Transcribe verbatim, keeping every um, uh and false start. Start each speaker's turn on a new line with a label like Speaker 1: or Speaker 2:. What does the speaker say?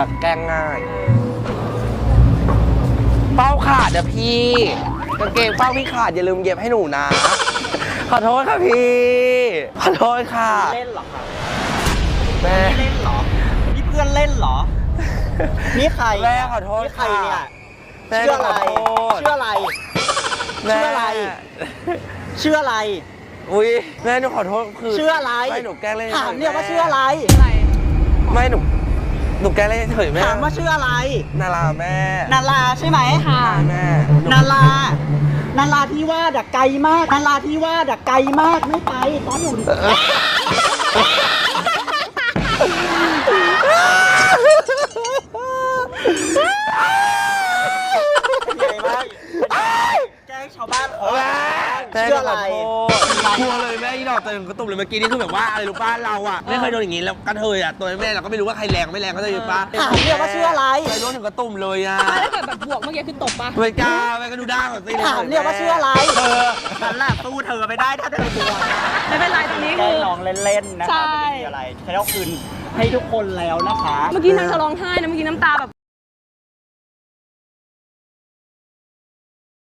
Speaker 1: แกล้งง่ายเป้าขาดอะพี่กางเกงเป้าพี่ขาดอย่าลืมเย็บให้หนูนะขอโทษค่ะพี่ขอโทษค่ะ
Speaker 2: เล่นเหรอครับ
Speaker 1: แม่
Speaker 2: เล่นเหรอนี่เพื่อนเล่นเหรอนี่ใคร
Speaker 1: แม่ขอโทษ
Speaker 2: นี่ใครเนี่ย
Speaker 1: แม่
Speaker 2: ชื่ออะไร
Speaker 1: ขอโทษ
Speaker 2: ชื่ออะไร
Speaker 1: แม่
Speaker 2: ชื่ออะไร ชื่ออะไร
Speaker 1: อุ้ยแม่หนูขอโทษคือ
Speaker 2: ชื่ออะไร
Speaker 1: ไม่หนูแกล้งเล่น
Speaker 2: ถามเนี่ยว่าชื่ออะไร
Speaker 1: ไม่หนูหนูแกล้งเล่นเฉยแม่
Speaker 2: ถามว่าชื่ออะไร
Speaker 1: นาราแม่
Speaker 2: นาราใช่ไหมค่ะ
Speaker 1: แม่
Speaker 2: นารานาราที่ว่าดักไกลมากนาราที่ว่าดักไกลมากไม่ไปตอนอยู่ใหญ่มากแกล้งชาวบ้านเขา
Speaker 1: แม่
Speaker 2: ชื่ออะไร
Speaker 1: กลัวเลยแม่ที่ดอกเต็มกระตุ่มเลยเมื่อกี้นี่คือแบบว่าอะไรรู้ป้าเราอ่ะไม่เคยโดนอย่างนี้แล้วกระเทยอ่ะตัวแม่เราก็ไม่รู้ว่าใครแรงไม่แรงก็จะอยู่ป้า
Speaker 2: ถามเนี่ยว่าชื่ออะไร
Speaker 1: ไปโดนถึงกระตุ่มเลยอ่ะ
Speaker 3: ถ้าเกิดแบบบวกเมื่อกี้คือตบปะ
Speaker 1: ไม่กล้าแม่ก็ดูด้าก่อนสิ
Speaker 2: ถามเนี่ยว่าชื่ออะไร
Speaker 1: เธอ
Speaker 2: ฉันแหละสู้เธอไม่ได้ถ้าเธอตัว
Speaker 3: ไม่เป็นไรตรงนี้
Speaker 2: แกล้
Speaker 3: คื
Speaker 2: ง
Speaker 3: อ
Speaker 2: น้องเล่นๆนะ
Speaker 3: ใช่
Speaker 2: คะไม่ได้มีอะไรแค่เอาคืนให้ทุกคนแล้วนะคะ
Speaker 3: เมื่อกี้นางจะร้องไห้นะเมื่อกี้น้ำตาแบบ